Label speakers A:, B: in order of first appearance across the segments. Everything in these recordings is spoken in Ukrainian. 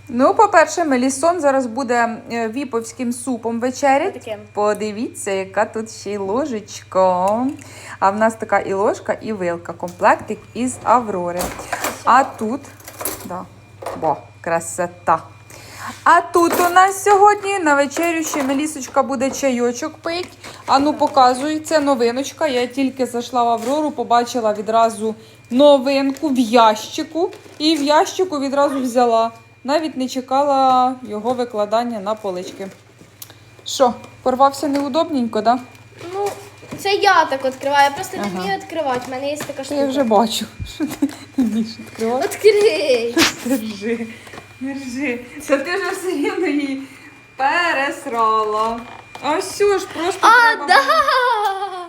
A: Ну, по-перше, Мелісон зараз буде віповським супом вечерять.
B: Отаким.
A: Подивіться, яка тут ще й ложечка. А в нас така і ложка, і вилка. Комплектик із Аврори. А тут, да, красота. А тут у нас сьогодні на вечерю ще Мелісочка буде чайочок пить. А ну показуй, це новиночка. Я тільки зайшла в Аврору, побачила відразу новинку в ящику. І в ящику відразу взяла. Навіть не чекала його викладання на полички. Що, порвався неудобненько, так? Да?
B: Ну, це я так відкриваю, я просто не вмію відкривати. У мене є така штука.
A: Я вже бачу, що ти не вмієш відкривати.
B: Відкрий!
A: Держи, держи. Це ти ж все рівно її пересрала. А все ж, просто треба
B: Да!
A: було...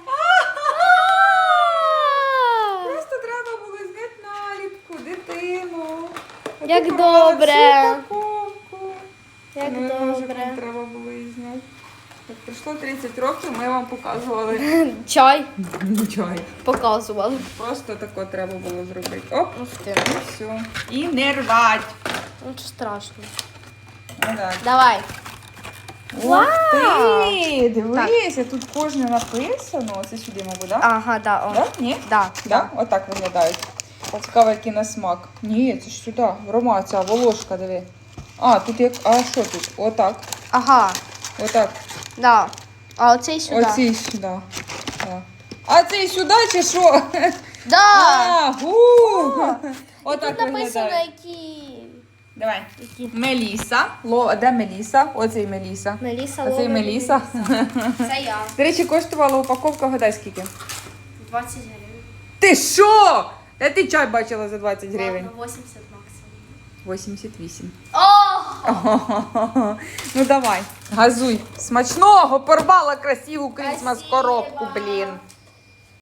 A: Просто треба було зняти наліпку, дитину. А
B: Як
A: ти порвала
B: добре.
A: всю упаковку.
B: Як
A: Ну, може,
B: добре.
A: вам треба було її зняти. Як пройшло 30 років, ми вам показували
B: Чай
A: чай.
B: показували.
A: Просто тако треба було зробити. Оп,
B: Ух ти.
A: і все. І не рвать.
B: Ну, що страшно.
A: Ну, так.
B: Давай.
A: Ух ти, дивись, тут кожне написано. Це сюди, мабуть, так?
B: Ага, да. О.
A: Да? Ні?
B: Да.
A: Да? Отак виглядають. Цікаво, який на смак. Ні, це ж сюди. Рома, ця волошка, диви. А, тут як. А що тут? Отак.
B: Ага,
A: Отак.
B: да. А оцей сюди.
A: Оцей сюди. Да. А цей сюди чи що?
B: Да.
A: А, отак
B: Тут написано,
A: виглядає.
B: які.
A: Давай.
B: Які.
A: Меліса. Де Меліса? Оцей Меліса.
B: Меліса,
A: Оцей
B: Лора,
A: Меліса.
B: Це я.
A: До речі, коштувала упаковка, гадай скільки?
B: 20 гривень.
A: Ти що? Де ти чай бачила за 20 гривень?
B: Ладно, 80 максимум.
A: 88.
B: О!
A: Ну давай, газуй. Смачного, порвала красиву крісмас
B: Спасибо.
A: коробку, блін.